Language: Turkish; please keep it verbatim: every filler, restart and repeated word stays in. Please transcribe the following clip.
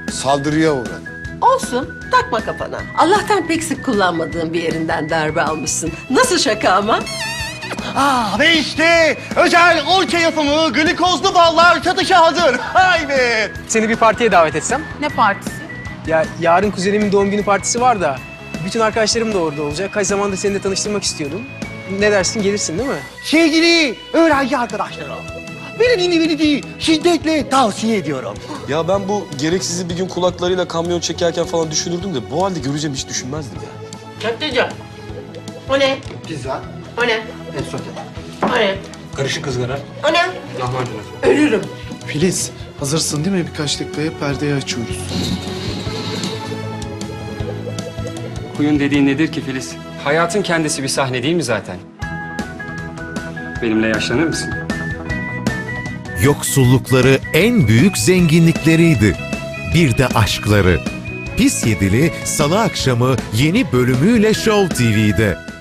saldırıya uğradım. Olsun, takma kafana. Allah'tan pek sık kullanmadığın bir yerinden darbe almışsın. Nasıl şaka ama? Aa, ve işte özel orça yapımı glikozlu ballar satışa hazır. Haydi. Seni bir partiye davet etsem? Ne partisi? Ya yarın kuzenimin doğum günü partisi var da bütün arkadaşlarım da orada olacak. Kaç zamandır seni de tanıştırmak istiyordum. Ne dersin, gelirsin değil mi? Sevgili öğrenci arkadaşlarım, beni dinlemenizi şiddetle tavsiye ediyorum. Ya ben bu gereksizi bir gün kulaklarıyla kamyon çekerken falan düşünürdüm de bu halde göreceğim hiç düşünmezdim ya. Köfteci. O ne? Pizza, O ne? et sote, O ne? karışık ızgara, O ne? lahmacun. Ölürüm. Filiz, hazırsın değil mi? Birkaç dakikaya perdeyi açıyoruz. Kuyun dediğin nedir ki Filiz? Hayatın kendisi bir sahne değil mi zaten? Benimle yaşlanır mısın? Yoksullukları en büyük zenginlikleriydi. Bir de aşkları. Pis Yedili Salı akşamı yeni bölümüyle Show T V'de.